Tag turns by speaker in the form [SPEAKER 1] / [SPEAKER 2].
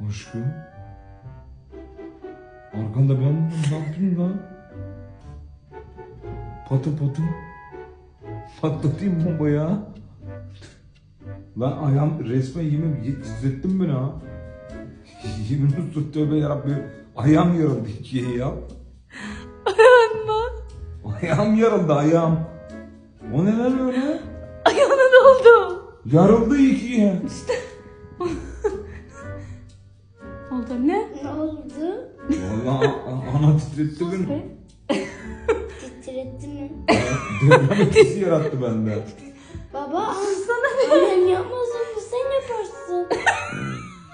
[SPEAKER 1] Aşkım. Arkanda ben ne yapayım lan? Patı patı. Patlatayım bomba ya. Lan ayağım resmen yemin titrettim beni ha. Yemin olsun tövbe yarabbim. Ayağım yarıldı ikiye ya.
[SPEAKER 2] Ayağın mı?
[SPEAKER 1] Ayağım yarıldı ayağım. O neler öyle?
[SPEAKER 2] Ayağına ne oldu?
[SPEAKER 1] Yarıldı ikiye.
[SPEAKER 2] Oldu ne?
[SPEAKER 3] Ne oldu?
[SPEAKER 1] Vallahi ana titretti beni.
[SPEAKER 3] Titretti mi?
[SPEAKER 1] Deprem etkisi yarattı bende.
[SPEAKER 3] Baba